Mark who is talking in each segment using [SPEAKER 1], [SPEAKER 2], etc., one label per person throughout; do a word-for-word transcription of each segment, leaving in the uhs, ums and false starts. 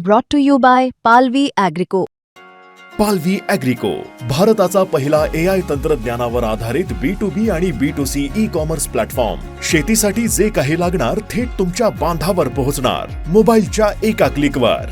[SPEAKER 1] brought to you by Palvi Agrico.
[SPEAKER 2] पालवी ॲग्रिको, भारताचा पहिला ए आय तंत्रज्ञानावर आधारित बी टू बी आणि B two C e commerce platform. शेतीसाठी जे काही लागणार थेट तुमच्या बांधावर पोहोचणार, मोबाईलच्या एका क्लिकवर.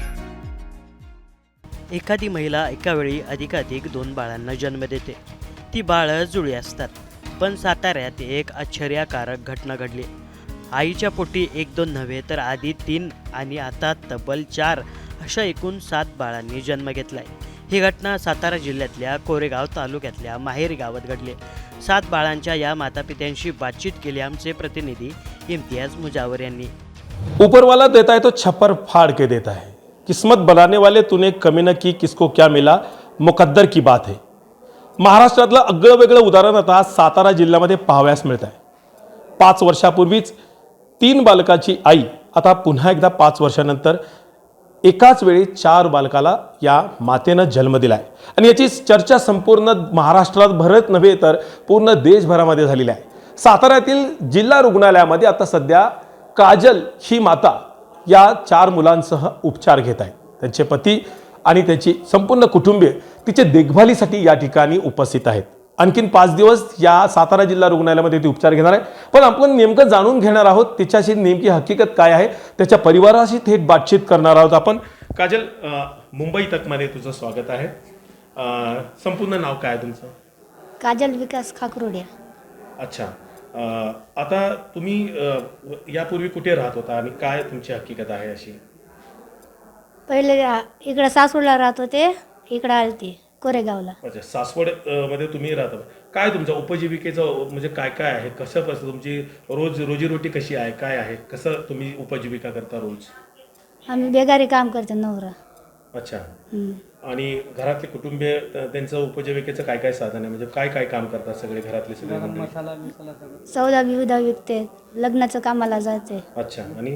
[SPEAKER 3] एखादी महिला एका वेळी अधिकाधिक दोन बाळांना जन्म देते. ती बाळं जुळी असतात. पण साताऱ्यात एक आश्चर्यकारक घटना घडली. आईच्या पोटी एक दोन नव्हे तर आधी तीन आणि आता तब्बल चार अशा एकूण सात बाळांनी जन्म घेतलाय. ही घटना सातारा जिल्ह्यातल्या कोरेगाव तालुक्यातल्या माहेरी गावात घडली. सात बाळांच्या या मातापित्यांशी बातचीत केली आमचे प्रतिनिधी इम्तियाज मुजावर यांनी.
[SPEAKER 4] ऊपरवाला देता है तो छप्पर फाड़ के देता है. किस्मत बनाने वाले तूने कमी न की, किसको क्या मिला, मुकद्दर की बात है. महाराष्ट्रातलं अगळं वेगळं उदाहरण आता सातारा जिल्ह्यामध्ये पाहावयास मिळत आहे. पाच वर्षापूर्वीच तीन बालकाची आई आता पुन्हा एकदा पाच वर्षानंतर एकाच वेळी चार बालकाला या मातेनं जन्म दिला आहे. आणि याची चर्चा संपूर्ण महाराष्ट्रात भरत नव्हे तर पूर्ण देशभरामध्ये झालेली आहे. साताऱ्यातील जिल्हा रुग्णालयामध्ये आता सध्या काजल ही माता या चार मुलांसह उपचार घेत आहे. त्यांचे पती आणि त्याची संपूर्ण कुटुंबीय तिचे देखभालीसाठी या ठिकाणी उपस्थित आहेत. आणखीन पाच दिवस या सातारा जिल्हा रुग्णालयामध्ये ती उपचार घेणार आहे. पण आपण नेमकं जाणून घेणार आहोत तिच्याशी नेमकी हकीकत काय आहे, त्याच्या परिवाराशी थेट बातचीत करणार आहोत आपण. काजल, मुंबई तकमध्ये तुझं स्वागत आहे. संपूर्ण नाव काय तुमचं?
[SPEAKER 5] काजल विकास खाकरोडिया.
[SPEAKER 4] अच्छा, आता तुम्ही यापूर्वी कुठे राहत होता आणि काय तुमची हकीकत आहे अशी?
[SPEAKER 5] पहिले इकडं सासवडला राहत होते, इकडं आले ते कोरेगावला.
[SPEAKER 4] अच्छा, सासवड मध्ये तुम्ही राहता. काय तुमच्या उपजीविकेचं म्हणजे काय काय आहे, कसं कसं तुमची रोज रोजीरोटी कशी आहे, काय आहे, कसं तुम्ही उपजीविका करता रोज?
[SPEAKER 5] आम्ही बेगारी काम करतो, नवरा.
[SPEAKER 4] अच्छा, आणि घरातले कुटुंबीय त्यांचं उपजीविकेचं काय काय साधन आहे, म्हणजे काय काय काम करतात सगळे घरातले सगळे?
[SPEAKER 5] सौदा बिवदा विकते, लग्नाचं कामाला जाते.
[SPEAKER 4] अच्छा, आणि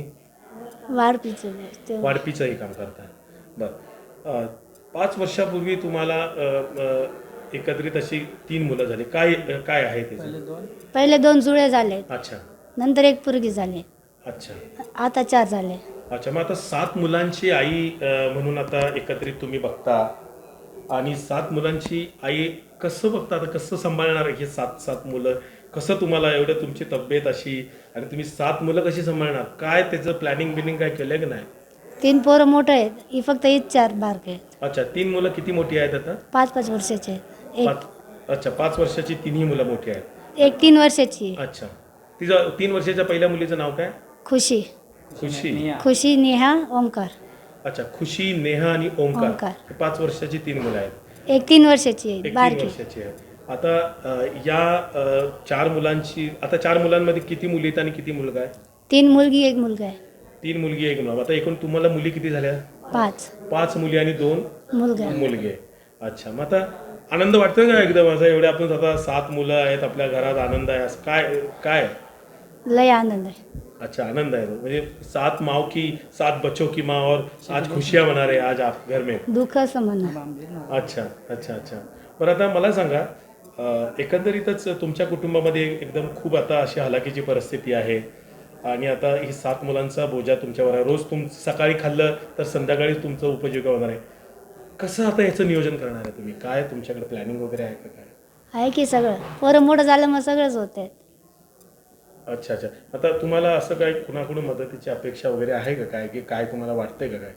[SPEAKER 5] वाढपीचं
[SPEAKER 4] वाढपीचंही काम करताय. बरं, पाच वर्षापूर्वी तुम्हाला एकत्रित अशी तीन मुलं झाली. काय काय आहे त्याचं?
[SPEAKER 5] पहिले दोन जुळे झाले.
[SPEAKER 4] अच्छा,
[SPEAKER 5] नंतर एक पोरगी झाली.
[SPEAKER 4] अच्छा,
[SPEAKER 5] आता चार झाले.
[SPEAKER 4] अच्छा, मग आता सात मुलांची आई म्हणून आता एकत्रित तुम्ही बघता आणि सात मुलांची आई कसं बघता, आता कसं सांभाळणार हे सात सात मुलं? कसं तुम्हाला एवढं तुमची तब्येत अशी आणि तुम्ही सात मुलं कशी सांभाळणार? काय त्याचं प्लॅनिंग बिनिंग काय केलं की नाही?
[SPEAKER 5] तीन पोरं मोठं आहेत, ही फक्त हीच चार बारके आहेत.
[SPEAKER 4] अच्छा, तीन मुलं किती मोठी आहेत आता?
[SPEAKER 5] पाच पाच वर्षाचे आहेत. एक
[SPEAKER 4] अच्छा, पाच वर्षाची तिन्ही मुलं मोठी आहेत.
[SPEAKER 5] एक तीन वर्षाची आहे.
[SPEAKER 4] अच्छा, तिचं तीन वर्षाच्या पहिल्या मुलीचं नाव काय?
[SPEAKER 5] खुशी.
[SPEAKER 4] खुशी
[SPEAKER 5] खुशी, नेहा, ओंकार.
[SPEAKER 4] अच्छा, खुशी, नेहा आणि ओंकार.
[SPEAKER 5] ओंकार.
[SPEAKER 4] पाच वर्षाची तीन मुलं आहेत.
[SPEAKER 5] एक तीन वर्षाची आहे,
[SPEAKER 4] एक तीन
[SPEAKER 5] बारकी.
[SPEAKER 4] वर्षाची आहे. आता या चार मुलांची, आता चार मुलांमध्ये किती मुली आहेत आणि किती मुलगा आहे?
[SPEAKER 5] तीन मुलगी एक मुलगा आहे.
[SPEAKER 4] तीन मुलगी एक मुलगा. आता एकूण तुम्हाला मुली किती झाल्या?
[SPEAKER 5] पाच.
[SPEAKER 4] पाच मुली आणि दोन
[SPEAKER 5] मुलगा
[SPEAKER 4] मुलगे. अच्छा, मग आता आनंद वाटतो का एकदम असं, एवढे आपण आता सात मुलं आहेत आपल्या घरात, आनंद आहे असं काय काय?
[SPEAKER 5] लय आनंद आहे.
[SPEAKER 4] अच्छा, आनंद आहे. म्हणजे सात माओ की सात बच्चों की माँ और आज खुशियाँ मना रहे आज आप घर में.
[SPEAKER 5] दुःख समजणं.
[SPEAKER 4] अच्छा अच्छा अच्छा बरं, आता मला सांगा, एकंदरीतच तुमच्या कुटुंबामध्ये एकदम खूप आता अशी हलाखीची परिस्थिती आहे आणि आता ही सात मुलांचा बोजा तुमच्यावर आहे. रोज तुम सकाळी खाल्लं तर संध्याकाळी तुमचं उपजीविका होणार आहे. कसं आता याचं नियोजन करणार आहे तुम्ही? काय तुमच्याकडे प्लॅनिंग वगैरे आहे का? काय
[SPEAKER 5] आहे की सगळं, पोरं मोठं झालं मग सगळंच होतंय.
[SPEAKER 4] अच्छा अच्छा, आता तुम्हाला असं काय कुणाकडून मदतीची अपेक्षा वगैरे आहे का? काय की काय तुम्हाला वाटतंय का? काय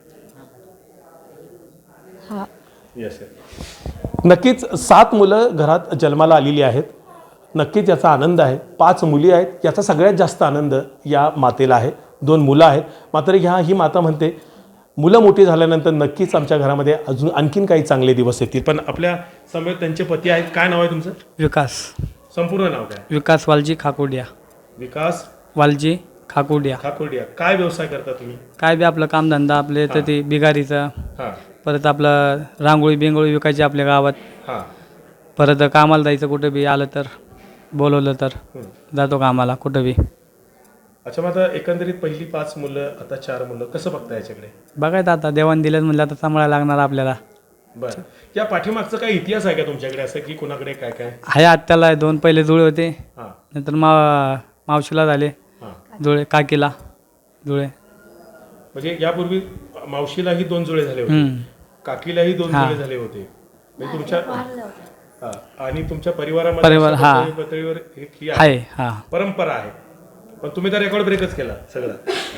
[SPEAKER 5] हा,
[SPEAKER 4] यस. नक्कीच सात मुलं घरात जन्माला आलेली आहेत. नक्कीच याचा आनंद आहे. पाच मुली आहेत, याचा सगळ्यात जास्त आनंद या मातेला आहे. दोन मुलं आहेत, मात्र ह्या ही माता म्हणते मुलं मोठी झाल्यानंतर नक्कीच आमच्या घरामध्ये अजून आणखीन काही चांगले दिवस येतील. पण आपल्या समोर त्यांचे पती आहेत. काय नाव आहे तुमचं?
[SPEAKER 6] विकास.
[SPEAKER 4] संपूर्ण नाव काय?
[SPEAKER 6] विकास वालजी खाकुडिया.
[SPEAKER 4] विकास
[SPEAKER 6] वालजी खाकुडिया.
[SPEAKER 4] खाकुडिया. काय व्यवसाय करता तुम्ही?
[SPEAKER 6] काय बी आपलं कामधंदा, आपले तर ते बिगारीचं,
[SPEAKER 4] हां
[SPEAKER 6] परत आपलं रांगोळी बिंगोळी विकायची आपल्या गावात.
[SPEAKER 4] हां.
[SPEAKER 6] परत कामाला जायचं, कुठं बी आलं तर बोलवलं तर जातो कामाला कुठं बी.
[SPEAKER 4] अच्छा, मग आता एकंदरीत पहिली पाच मुलं, आता चार मुलं, कसं बघता याच्याकडे?
[SPEAKER 6] बघायचं आता, देवान दिलं म्हणलं आता सांभाळायला लागणार आपल्याला.
[SPEAKER 4] बरं, या पाठीमागचा काही इतिहास आहे का तुमच्याकडे असं, की कोणाकडे काय काय
[SPEAKER 6] आहे? आत्याला दोन पहिले जुळे होते,
[SPEAKER 4] हां,
[SPEAKER 6] नंतर मा मावशीला झाले
[SPEAKER 4] हां.
[SPEAKER 6] जुळे, काकीला जुळे.
[SPEAKER 4] म्हणजे यापूर्वी मावशीलाही दोन जुळे झाले होते,
[SPEAKER 6] हम्म.
[SPEAKER 4] काकीलाही दोन
[SPEAKER 6] हा.
[SPEAKER 4] जुळे झाले होते. म्हणजे तुमच्या हा. आणि तुमच्या परिवारामध्ये
[SPEAKER 6] परिवार,
[SPEAKER 4] अशा
[SPEAKER 6] हा.
[SPEAKER 4] पातळी- पातळीवर एक ही आहे,
[SPEAKER 6] आहे हा.
[SPEAKER 4] परंपरा आहे. पण तुम्ही तर रेकॉर्ड ब्रेकच केला सगळं.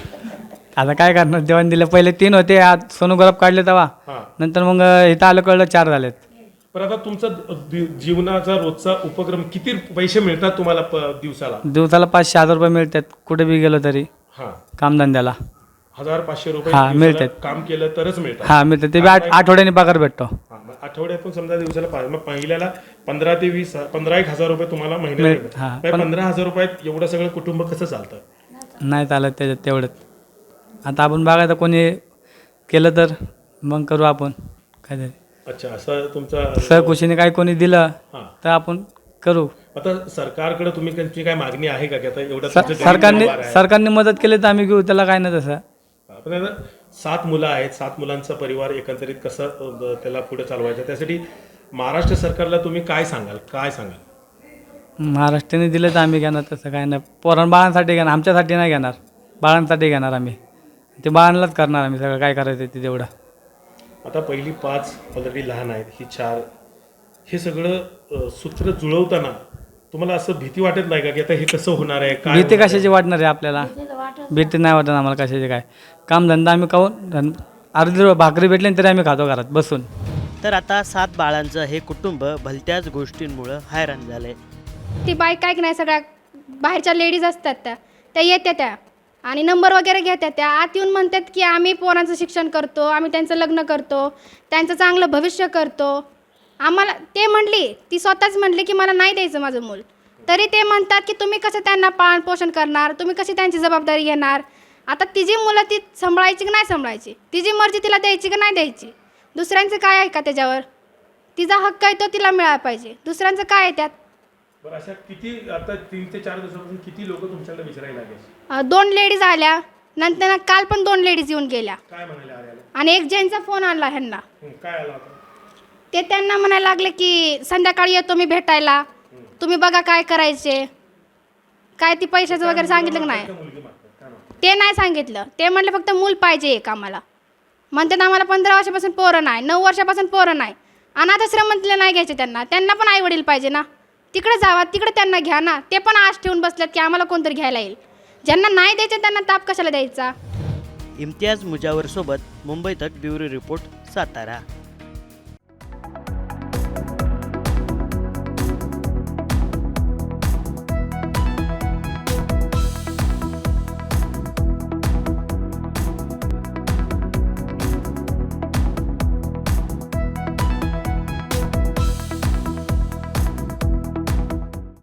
[SPEAKER 6] आता काय करणार, देवाने दिलं. पहिले तीन होते, आज सोनू गुलाब काढले तेव्हा.
[SPEAKER 4] हा.
[SPEAKER 6] नंतर मग इथं आलं कळलं चार झालेत.
[SPEAKER 4] पण आता तुमचा दि- जीवनाचा रोजचा उपक्रम किती पैसे मिळतात तुम्हाला प- दिवसाला?
[SPEAKER 6] दिवसाला पाचशे हजार रुपये मिळतात कुठे बी गेलो तरी
[SPEAKER 4] हा.
[SPEAKER 6] कामधंद्याला.
[SPEAKER 4] हजार पाचशे रुपये
[SPEAKER 6] हा,
[SPEAKER 4] दिवसाला
[SPEAKER 6] मिळतात.
[SPEAKER 4] काम केलं तरच मिळतात.
[SPEAKER 6] हा मिळतात, ते बी आठ आठवड्याने पगार भेटतो.
[SPEAKER 4] हा, मग आठवड्यातून समजा दिवसाला पाच, मग पहिल्याला पंधरा ते वीस पंधरा एक हजार रुपये तुम्हाला महिन्याला
[SPEAKER 6] मिळ-
[SPEAKER 4] मिळतात.
[SPEAKER 6] हा,
[SPEAKER 4] मग
[SPEAKER 6] पण-
[SPEAKER 4] पंधरा हजार रुपयात एवढं सगळं कुटुंब कसं चालतं?
[SPEAKER 6] नाही चालत त्याच्यात तेवढंच. आता आपण बघायचं कोणी केलं तर मग करू आपण काहीतरी.
[SPEAKER 4] अच्छा, असं तुमचा
[SPEAKER 6] सहकुशीने काय कोणी दिलं
[SPEAKER 4] हा.
[SPEAKER 6] तर आपण करू.
[SPEAKER 4] आता सरकारकडे तुम्ही त्यांची काय मागणी आहे का की आता एवढं
[SPEAKER 6] स-
[SPEAKER 4] तुमचं गरीब
[SPEAKER 6] सरकारने
[SPEAKER 4] परिवार आहे?
[SPEAKER 6] सरकारने मदत केली तर आम्ही घेऊ, त्याला काय नाही तसं.
[SPEAKER 4] पण आता सात मुलं आहेत, सात मुलांचा परिवार एकंदरीत कसं अ, त्याला पुढे चालवायचं, त्यासाठी महाराष्ट्र सरकारला तुम्ही काय सांगाल, काय सांगाल?
[SPEAKER 6] महाराष्ट्राने दिलं तर आम्ही घेणार, तसं काय नाही. पोरण बाळांसाठी घेणार, आमच्यासाठी नाही घेणार, बाळांसाठी घेणार आम्ही. ते बाळांनाच करणार आम्ही सगळं काय करायचं ते तेवढं.
[SPEAKER 4] आता पहिली पाच ऑलरेडी लहान आहेत, ही चार, हे सगळं अ, सूत्र जुळवताना तुम्हाला असं भीती वाटत नाही का की आता हे कसं होणार आहे, काय
[SPEAKER 6] भीती
[SPEAKER 4] होणार आहे?
[SPEAKER 6] कशाची वाटणार आहे आपल्याला? भीती नाही वाटत आम्हाला कशाची. काय कामधंदा आम्ही खाऊन अर्धी भाकरी भेटली तरी आम्ही खातो घरात बसून.
[SPEAKER 3] तर आता सात बाळांचं हे कुटुंब भलत्याच गोष्टींमुळं हैराण झालंय.
[SPEAKER 5] ती बाई काय की नाही, सगळ्या बाहेरच्या लेडीज असतात त्या त्या येत्या त्या आणि नंबर वगैरे घेत्या त्या आत येऊन म्हणतात की आम्ही पोरांचं शिक्षण करतो, आम्ही त्यांचं लग्न करतो, त्यांचं चांगलं भविष्य करतो. आम्हाला ते म्हणली, ती स्वतःच म्हणली की मला नाही द्यायचं माझं मूल, तरी ते म्हणतात की तुम्ही कसं त्यांना पालन पोषण करणार, तुम्ही कशी त्यांची जबाबदारी घेणार. आता तिची मुलं ती सांभाळायची की नाही सांभाळायची, तिची मर्जी तिला द्यायची की नाही द्यायची. दुसऱ्यांचं काय आहे का त्याच्यावर? तिचा हक्क आहे तो तिला मिळाला पाहिजे, दुसऱ्यांचं काय आहे त्यात?
[SPEAKER 4] बरं, अशा किती आता तीन ते चार दिवसापासून किती लोक तुमच्याकडे विचारायला लागले?
[SPEAKER 5] अं, दोन लेडीज आल्या, नंतर काल पण दोन लेडीज येऊन गेल्या
[SPEAKER 4] काय म्हणाले आल्याला?
[SPEAKER 5] आणि एक जेंट्सचा फोन आणला ह्यांना.
[SPEAKER 4] हं, काय आला होता?
[SPEAKER 5] ते त्यांना म्हणायला लागले की संध्याकाळी येतो मी भेटायला, तुम्ही बघा काय करायचे. काय ती पैशाचं वगैरे सांगितलं की नाही?
[SPEAKER 4] मुलगी मागतात, काय मागतात?
[SPEAKER 5] ते नाही सांगितलं. ते म्हणले फक्त मूल पाहिजे एक आम्हाला. म्हणतात आम्हाला पंधरा वर्षापासून पोरं नाही, नऊ वर्षापासून पोरं नाही. अनाथाश्रमातले नाही घ्यायचे त्यांना, त्यांना पण आई वडील पाहिजे ना. तिकडे जावा, तिकडे त्यांना घ्या ना. ते पण आश ठेवून बसल्यात की आम्हाला कोणतरी घ्यायला येईल. ज्यांना नाही द्यायचे त्यांना ताप कशाला द्यायचा?
[SPEAKER 3] इम्तियाज मुजावर सोबत मुंबई तक ब्युरो रिपोर्ट, सातारा.